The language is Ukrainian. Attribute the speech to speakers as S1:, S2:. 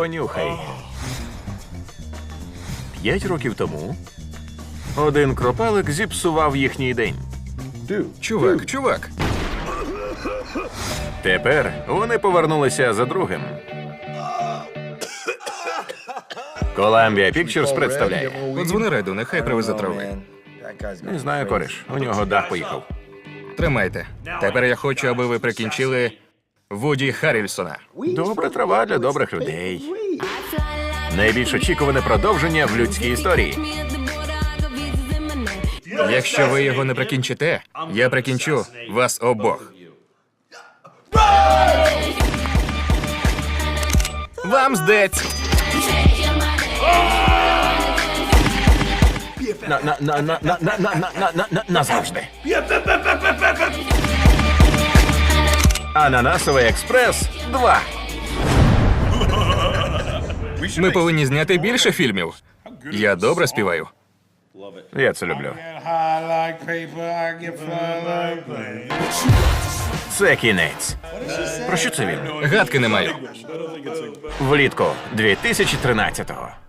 S1: понюхай. 5 років тому один кропалик зіпсував їхній день.
S2: Чувак.
S1: Тепер вони повернулися за другим. Columbia Pictures представляє.
S2: Подзвони Реду, нехай привезе трави.
S1: Не знаю, кореш, у нього дах поїхав.
S2: Тримайте. Тепер я хочу, аби ви прикінчили Вуді Харрельсона.
S1: Добра трава для добрих людей. Найбільш очікуване продовження в людській історії.
S2: Якщо ви його не прикінчите, я прикінчу вас обох. Вам здець!
S1: Назавжди. Ананасовий експрес 2.
S2: Ми повинні зняти більше фільмів. Я добре співаю.
S1: Я це люблю.
S3: High like paper, I get fly like planes.
S1: Це кінець. Про що це він?
S2: Гадки не маю.
S1: Влітку 2013-го.